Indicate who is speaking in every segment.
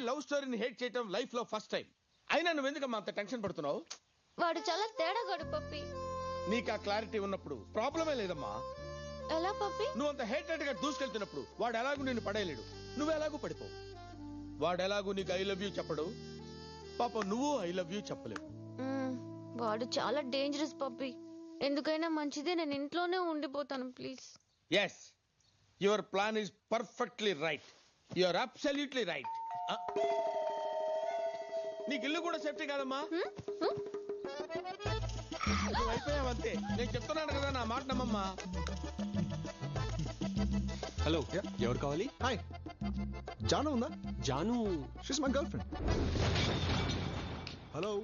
Speaker 1: Love స్టోరీని hate చేయటం life లో ఫస్ట్ టైం. అయినా నువ్వు ఎందుకమ్మా అంత టెన్షన్ పడుతున్నావు?
Speaker 2: వాడు చాలా తేడాగాడు పప్పి.
Speaker 1: నీకు ఆ క్లారిటీ ఉన్నప్పుడు ప్రాబ్లమే లేదమ్మా.
Speaker 2: ఎలా పప్పి?
Speaker 1: నువ్వు అంత హేటెడ్ గా దూసుకెళ్తున్నప్పుడు వాడు ఎలాగూ నిన్ను పడేయలేడు, నువ్వు ఎలాగూ పడిపో. వాడు ఎలాగూ నీకు ఐ లవ్ యూ చెప్పడు, పాప నువ్వు ఐ లవ్ యూ చెప్పలేవు.
Speaker 2: వాడు చాలా డేంజరస్ పప్పి. ఎందుకైనా మంచిదే నేను ఇంట్లోనే ఉండిపోతాను please.
Speaker 1: Yes, your plan is perfectly right. You are absolutely right. నీకు ఇల్లు కూడా సేఫ్టీ కాదమ్మా. నువ్వు అయిపోయావంతే. నేను చెప్తున్నాను కదా, నా మాట నమ్మమ్మా.
Speaker 3: హలో, ఎవరు కావాలి?
Speaker 4: హాయ్, జాను ఉందా?
Speaker 3: Janu
Speaker 4: she's my girl friend. Hello.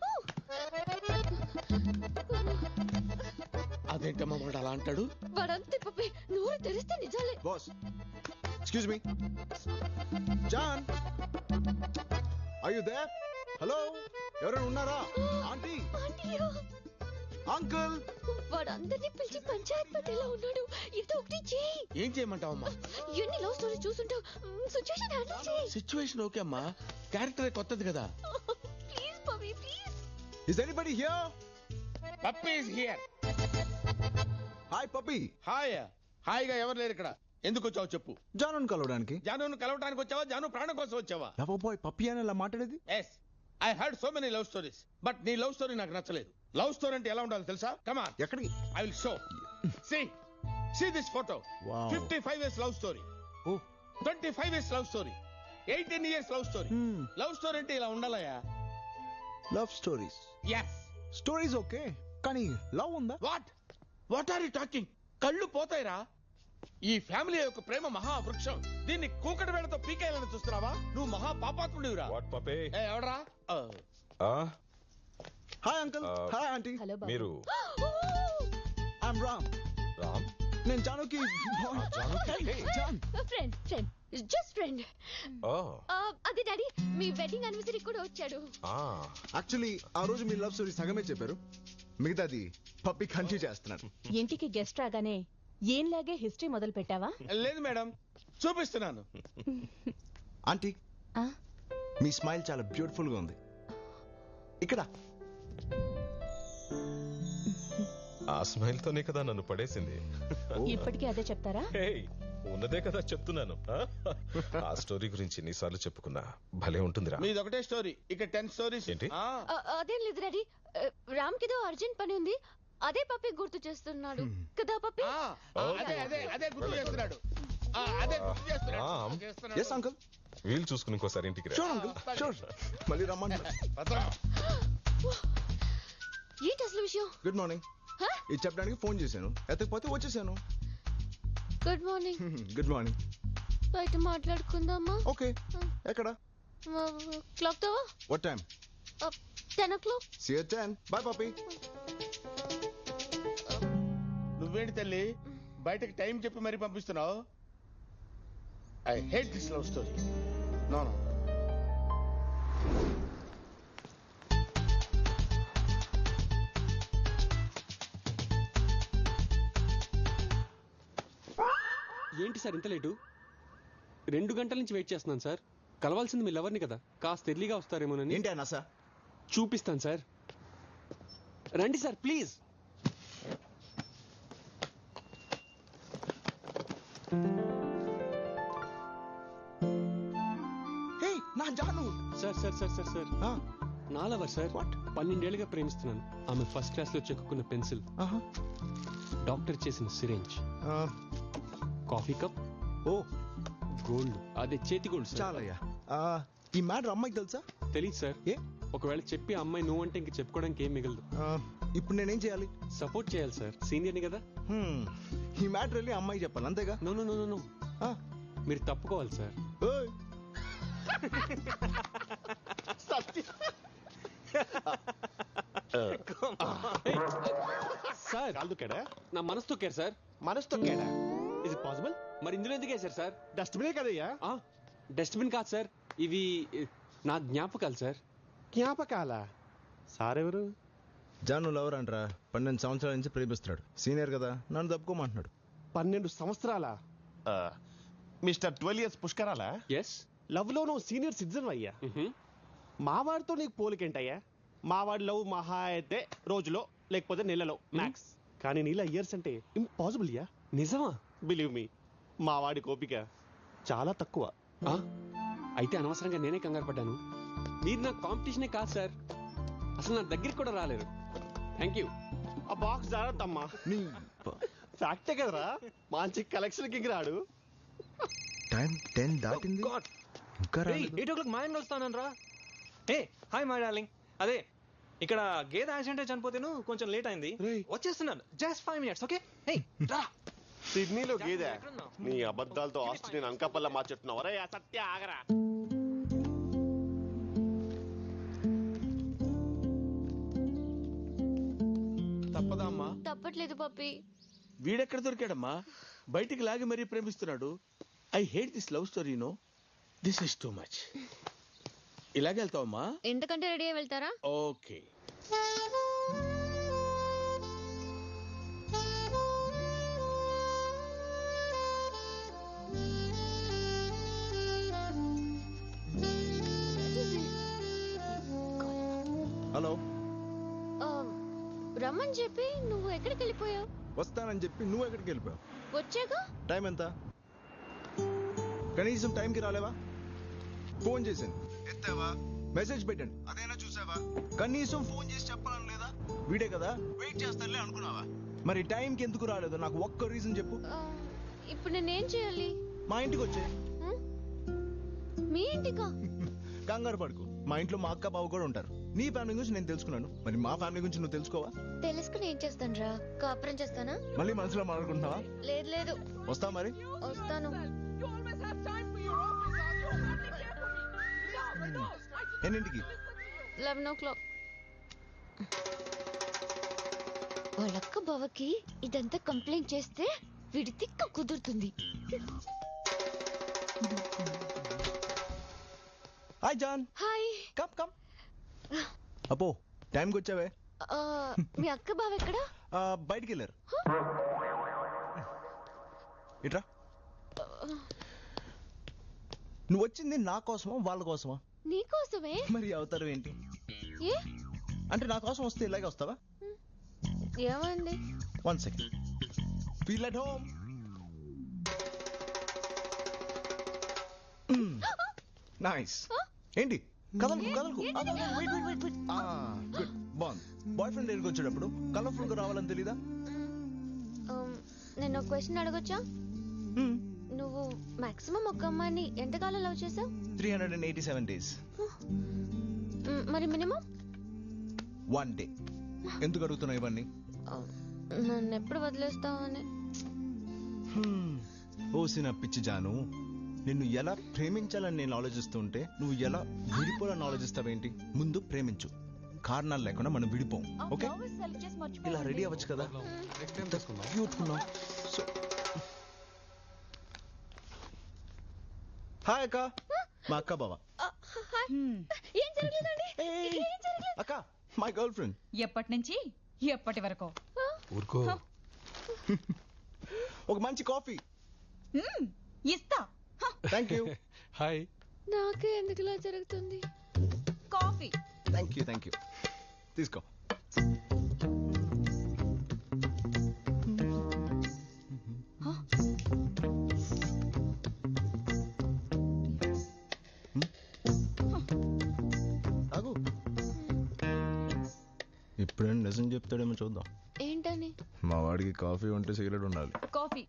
Speaker 1: అదేంటమ్మా వాడు అలా అంటాడు?
Speaker 2: వాడంతే పప్పి, నోరు తెరిస్తే నిజాలే.
Speaker 4: Boss, excuse me. జాన్, ఆర్ యు దేర్? హలో, ఎవరైనా ఉన్నారా? Aunty, uncle.
Speaker 2: వాడు అందరినీ పిలిచి పంచాయత్ పట్టేలా ఉన్నాడు. ఇది ఒకటి చేయి.
Speaker 1: ఏం చేయమంటావమ్మా?
Speaker 2: ఎన్ని లవ్ స్టోరీ చూసుంటావు. సిచ్యువేషన్ హ్యాండిల్ చేయి.
Speaker 1: సిచ్యువేషన్ ఓకే అమ్మా, క్యారెక్టర్ కొత్తది కదా.
Speaker 2: Please Pappi please.
Speaker 4: Is anybody here?
Speaker 1: Pappi is here.
Speaker 4: Hi Pappi.
Speaker 1: Hi. హాయిగా ఎవరు లేరు ఇక్కడ. ఎందుకు వచ్చావు చెప్పు.
Speaker 4: జానుని కలవడానికి.
Speaker 1: జానును కలవడానికి వచ్చావా? జాను ప్రాణం కోసం వచ్చావా?
Speaker 4: లవ్ బాయ్ పప్పీ అని ఇలా మాట్లాడేది?
Speaker 1: Yes, I heard so many love stories, but నీ లవ్ స్టోరీ నాకు నచ్చలేదు. లవ్ స్టోరీ అంటే ఎలా ఉండాలి తెలుసా? Come on.
Speaker 4: ఎక్కడికి?
Speaker 1: I will show. See this photo.
Speaker 4: Wow.
Speaker 1: 55 years love story.
Speaker 4: ఓ,
Speaker 1: 25 years love story. 18 years love story. Love story అంటే ఇలా ఉండాలయా?
Speaker 4: Love stories.
Speaker 1: Yes.
Speaker 4: Stories okay, కానీ లవ్ ఉందా?
Speaker 1: What are you talking? కళ్ళు పోతాయిరా. ఈ ఫ్యామిలీ యొక్క ప్రేమ మహావృక్షం. దీన్ని కూకటి వేళతో పీకేయాలని చూస్తున్నావా? నువ్వు మహా పాపాత్ముడివిరా. ఎవడరా?
Speaker 4: Hi uncle. Hi aunty.
Speaker 5: మీరు?
Speaker 4: ఐఎమ్ రామ్.
Speaker 5: రామ్?
Speaker 4: నేను జానుకి జాన్
Speaker 2: ఫ్రెండ్ జస్ట్ ఫ్రెండ్.
Speaker 5: ఓ,
Speaker 2: అదే డాడీ, మీ వెడ్డింగ్ యానివర్సరీ కూడా వచ్చాడు.
Speaker 4: యాక్చువల్లీ ఆ రోజు మీ లవ్ స్టోరీ సగమే చెప్పారు, మిగతాది పప్పి కంటిన్యూ చేస్తున్నాను.
Speaker 6: ఇంటికి గెస్ట్ రాగానే ఏంలాగే హిస్టరీ మొదలు పెట్టావా?
Speaker 1: లేదు మేడం, చూపిస్తున్నాను.
Speaker 4: ఆంటీ, మీ స్మైల్ చాలా బ్యూటిఫుల్ గా ఉంది. ఇక్కడ
Speaker 5: ఆ స్మైల్ తోనే కదా నన్ను పడేసింది.
Speaker 6: ఇప్పటికీ అదే చెప్తారా?
Speaker 5: ఉన్నదే కదా చెప్తున్నాను. ఆ స్టోరీ గురించి ఎన్నిసార్లు చెప్పుకున్నా భలే ఉంటుందిరా.
Speaker 1: మీది ఒకటే స్టోరీ, ఇక 10 స్టోరీస్.
Speaker 5: ఏంటి?
Speaker 2: అదేం లేదు డాడీ, రామ్ కిదో అర్జెంట్ పని ఉంది. అదే పప్పి గుర్తు చేస్తున్నాడు కదా పప్పి?
Speaker 1: అదే గుర్తు చేస్తున్నాడు.
Speaker 4: Yes uncle.
Speaker 5: వీలు చూసుకుని ఇంకోసారి ఇంటికి రా.
Speaker 4: Sure uncle, sure. మళ్ళీ రమ్మంటున్నా.
Speaker 2: ఏంటి అసలు విషయం?
Speaker 4: Good morning. ఇది చెప్పడానికి ఫోన్ చేశాను, ఎత్తకపోతే వచ్చేసాను.
Speaker 2: Good morning.
Speaker 4: Good morning.
Speaker 2: బయట మాట్లాడుకుందామా?
Speaker 4: ఓకే. ఎక్కడ?
Speaker 2: క్లాక్ తో.
Speaker 4: What time?
Speaker 2: 10 o'clock.
Speaker 4: See you at 10. Bye Pappi.
Speaker 1: నువ్వేంటి తల్లి బయటకి టైం చెప్పి మరీ పంపిస్తున్నావు? I hate this love story. No.
Speaker 3: ఏంటి సార్ ఇంత లేటు? 2 గంటల నుంచి వెయిట్ చేస్తున్నాను సార్. కలవాల్సింది మీ లవర్ని కదా, కాస్త ఎర్లీగా వస్తారేమోనని.
Speaker 4: ఏంటి అన్న సార్?
Speaker 3: చూపిస్తాను సార్, రండి సార్ ప్లీజ్.
Speaker 4: హే నా Janu.
Speaker 3: Sir sir sir sir sir నా లవర్ సార్. 12 ఏళ్ళుగా ప్రేమిస్తున్నాను. ఆమె ఫస్ట్ క్లాస్ లో చెక్కున్న పెన్సిల్, డాక్టర్ చేసిన సిరేంజ్, కాఫీ కప్,
Speaker 4: ఓ
Speaker 3: గోల్డ్, అదే చేతి గోల్డ్ సార్.
Speaker 4: చాలయ్యా. ఈ మ్యాటర్ అమ్మాయికి తెలుసా?
Speaker 3: తెలీదు సార్.
Speaker 4: ఏ?
Speaker 3: ఒకవేళ చెప్పి అమ్మాయి నువ్వు అంటే ఇంక చెప్పుకోవడానికి ఏం మిగలదు.
Speaker 4: ఇప్పుడు నేనేం చేయాలి?
Speaker 3: సపోర్ట్ చేయాలి సార్, సీనియర్ని కదా.
Speaker 4: ఈ మ్యాటర్ వెళ్ళి అమ్మాయి చెప్పాలి అంతేగా?
Speaker 3: నో నో నో నో, మీరు తప్పుకోవాలి సార్. సార్
Speaker 7: కాలు తొక్కాడా?
Speaker 3: నా మనసు తొక్కారు సార్.
Speaker 7: మనసు తొక్కాడా? Is it possible?
Speaker 3: మరి ఇందులో ఎందుకు వేశారు సార్?
Speaker 7: డస్ట్బినే కదయ్యా.
Speaker 3: డస్ట్బిన్ కాదు సార్, ఇవి నా జ్ఞాపకాలు సార్.
Speaker 7: జ్ఞాపకాల? సార్ ఎవరు?
Speaker 4: జాను లవర్ అంటారా, 12 సంవత్సరాల నుంచి ప్రేమిస్తున్నాడు. సీనియర్ కదా, నన్ను తప్పుకోమంటున్నాడు.
Speaker 7: 12 సంవత్సరాల? మిస్టర్ 12 years పుష్కరాలా?
Speaker 3: ఎస్.
Speaker 7: లవ్ లో నువ్వు సీనియర్ సిటిజన్ అయ్యా. మావాడితో నీకు పోలికేంటయ్యా? మావాడి లవ్ మహా అయితే రోజులో లేకపోతే నెలలో మ్యాక్స్. కానీ నీలా ఇయర్స్ అంటే ఇంపాసిబుల్ యా.
Speaker 3: నిజమా?
Speaker 7: బిలీవ్ మీ, మావాడి కోపిక చాలా తక్కువ.
Speaker 3: ఆ? అయితే అనవసరంగా నేనే కంగారు పడ్డాను. మీరు నా కాంపిటీషనే కాదు సార్, అసలు నా దగ్గరికి కూడా రాలేరు. Thank you.
Speaker 7: ఆ బాక్స్ జాగ్రత్తమ్మా.
Speaker 4: నీ
Speaker 7: ఫ్యాక్టే కదరా, మంచి కలెక్షన్ కింగ్ రాడు.
Speaker 4: టైం 10 దాటింది, ఇంకా రాలేదు.
Speaker 8: 8 o'clock మా ఇంట్లో వస్తాను రా. ఏ హాయ్ మై డార్లింగ్. అదే ఇక్కడ గేదె యాక్సిడెంట్ చనిపోతేను కొంచెం లేట్ అయింది, వచ్చేస్తున్నాను. Just 5 minutes. ఓకే. హే రా.
Speaker 7: సిడ్నీలో గేదె? నీ అబద్ధాలతో ఆస్ట్రేలియన్ అంకపల్ల మార్చెట్టున్నావు. అరే సత్య ఆగరా.
Speaker 1: తప్పదా అమ్మా?
Speaker 2: తప్పట్లేదు పప్పి.
Speaker 1: వీడెక్కడ దొరికాడమ్మా? బయటికి లాగి మరీ ప్రేమిస్తున్నాడు. I hate this love story. No, this is too much. ఇలాగే వెళ్తావమ్మా?
Speaker 2: ఎంతకంటే రెడీ అయి వెళ్తారా?
Speaker 1: ఓకే.
Speaker 4: హలో.
Speaker 2: రమ్మని చెప్పి నువ్వు ఎక్కడికి వెళ్ళిపోయావు?
Speaker 4: వస్తానని చెప్పి నువ్వు ఎక్కడికి వెళ్ళిపోయావు?
Speaker 2: వచ్చాక
Speaker 4: టైం ఎంత? కనీసం టైంకి రాలేవా? ఫోన్ చేశాను, ఎత్తావా? మెసేజ్ పెట్టండి, అదైనా చూసావా? కనీసం ఫోన్ చేసి చెప్పాలని లేదా? వీడే కదా, వెయిట్ చేస్తానులే అనుకున్నావా? మరి టైంకి ఎందుకు రాలేదు? నాకు ఒక్క రీజన్ చెప్పు.
Speaker 2: ఇప్పుడు నేనేం చేయాలి?
Speaker 4: మా ఇంటికి వచ్చే.
Speaker 2: మీ ఇంటికా?
Speaker 4: కంగారు పడుకు, మా ఇంట్లో మా అక్క బావ కూడా ఉంటారు. నీ ఫ్యామిలీ గురించి నేను తెలుసుకున్నాను, మరి మా ఫ్యామిలీ గురించి నువ్వు తెలుసుకోవా?
Speaker 2: తెలుసుకుని ఏం చేస్తాను రా? కాపురం చేస్తానా?
Speaker 4: మళ్ళీ మనసులో మాట్లాడుకుంటున్నావా?
Speaker 2: లేదు లేదు.
Speaker 4: వస్తావా మరి?
Speaker 2: వస్తాను.
Speaker 4: ఎన్నింటికి?
Speaker 2: 11 o'clock. వాళ్ళక్క బావకి ఇదంతా కంప్లైంట్ చేస్తే వీడి తిక్క కుదురుతుంది.
Speaker 4: హాయ్ జాన్.
Speaker 2: హాయ్.
Speaker 4: Come come. అపో టైంకి వచ్చావే.
Speaker 2: మీ అక్క బావ ఎక్కడా?
Speaker 4: బయటికి వెళ్ళారు. ఇట్రా. నువ్వు వచ్చింది నా కోసమా వాళ్ళ కోసమా?
Speaker 2: నీ కోసమే.
Speaker 4: మరి అవుతారు ఏంటి?
Speaker 2: ఏ
Speaker 4: అంటే నా కోసం వస్తే ఇలాగే వస్తావా?
Speaker 2: ఏమండి?
Speaker 4: 1 second. Feel at home. Nice. ఏంటి కదలకు కదలకు? గుడ్. బాగుంది. బాయ్ ఫ్రెండ్ దగ్గరికి వచ్చేటప్పుడు కలర్ఫుల్ గా రావాలని తెలీదా?
Speaker 2: నేను ఒక క్వశ్చన్ అడగొచ్చా? నువ్వు మాక్సిమం ఒక అమ్మాయిని ఎంతకాలం లవ్ చేసావు?
Speaker 4: 387 days.
Speaker 2: మరి మినిమం?
Speaker 4: 1 day. ఎందుకు అడుగుతున్నావు ఇవన్నీ?
Speaker 2: నన్ను ఎప్పుడు వదిలేస్తావని.
Speaker 4: ఓసిన పిచ్చి జాను, నిన్ను ఎలా ప్రేమించాలని నేను ఆలోచిస్తుంటే నువ్వు ఎలా విడిపోవాలని ఆలోచిస్తావేంటి? ముందు ప్రేమించు, కారణాలు లేకుండా మనం విడిపోం. ఓకే, ఇలా రెడీ అవ్వచ్చు కదా? క్యూట్ ఉన్నావు. సో హాయ్ అక్క, మా అక్క బావ.
Speaker 2: ఏం జరగలేదండి.
Speaker 4: అక్క, మై గర్ల్ ఫ్రెండ్.
Speaker 6: ఎప్పటి నుంచి ఎప్పటి వరకు?
Speaker 3: ఊరుకో.
Speaker 4: ఒక మంచి కాఫీ.
Speaker 6: ఇస్తా.
Speaker 4: Thank you.
Speaker 3: హాయ్.
Speaker 2: నాకే ఎందుకు ఇలా జరుగుతుంది?
Speaker 6: Coffee.
Speaker 4: Thank you thank you. తీసుకో. ఆగు. ఇప్పుడేం నిజం చెప్తాడేమో చూద్దాం.
Speaker 2: ఏంటని?
Speaker 4: మా వాడికి కాఫీ ఉంటే సిగరెట్ ఉండాలి.
Speaker 6: కాఫీ.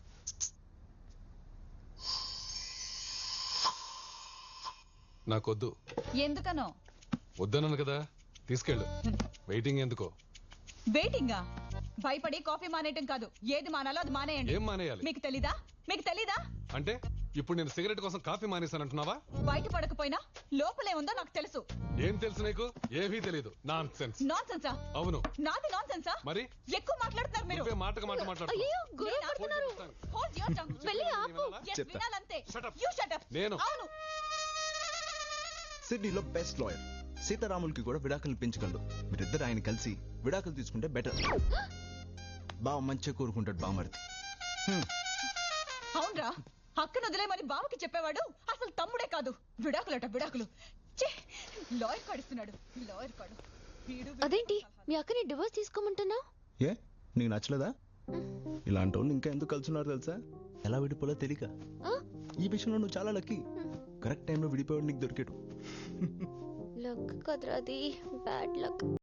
Speaker 9: నాకొద్దు.
Speaker 6: ఎందుకనో?
Speaker 9: వద్దన్నాను కదా, తీసుకెళ్ళు. వెయిటింగ్ ఎందుకో?
Speaker 6: వెయిటింగా? భయపడి కాఫీ మానేయటం కాదు, ఏది మానాలో అది మానేయండి.
Speaker 9: ఏం మానేయాలి?
Speaker 6: మీకు తెలీదా? మీకు తెలీదా?
Speaker 9: అంటే ఇప్పుడు నేను సిగరెట్ కోసం కాఫీ మానేశానంటున్నావా?
Speaker 6: బయట పడకపోయినా లోపలే ఉందో నాకు తెలుసు.
Speaker 9: ఏం తెలుసు నీకు? ఏమీ తెలీదు. Nonsense.
Speaker 6: నాన్ సెన్సా?
Speaker 9: అవును.
Speaker 6: నాది నాన్ సెన్సా?
Speaker 9: మరి
Speaker 6: ఎక్కువ మాట్లాడుతున్నారు మీరు.
Speaker 9: నువ్వే మాటకు మాట మాట్లాడుతున్నావు.
Speaker 2: అయ్యో, గొడవ పడుతున్నారు.
Speaker 6: Hold your tongue.
Speaker 2: వెళ్ళి ఆపు.
Speaker 6: Yes,
Speaker 4: చెప్తా.
Speaker 6: వినాలంతే.
Speaker 9: Shut up.
Speaker 6: You shut up.
Speaker 9: నేను.
Speaker 6: అవును.
Speaker 4: సిడ్నీలో బెస్ట్ లాయర్ సీతారాములకి కూడా విడాకులు పెంచగలడు. మీరిద్దరు ఆయన కలిసి విడాకులు తీసుకుంటే బెటర్. బావ మంచిగా కోరుకుంటాడు బామర్ది.
Speaker 6: అవునరా, అక్కను వదిలేమని బావకి చెప్పేవాడు అసలు తమ్ముడే కాదు. విడాకులట విడాకులు. లాయర్ కాడిస్తున్నాడు లాయర్ కాడు.
Speaker 2: అదేంటి మీ అక్కని డివోర్స్ తీసుకోమంటున్నావు?
Speaker 4: ఏ నీకు నచ్చలేదా? ఇలాంటి వాళ్ళు ఇంకా ఎందుకు కలుసున్నారు తెలుసా? ఎలా విడిపోలో తెలియక. ఈ విషయంలో నువ్వు చాలా లక్కీ. కరెక్ట్ టైంలో విడిపోయాడు నీకు దొరికాడు.
Speaker 2: లక్ కదరా అది, బ్యాడ్ లక్.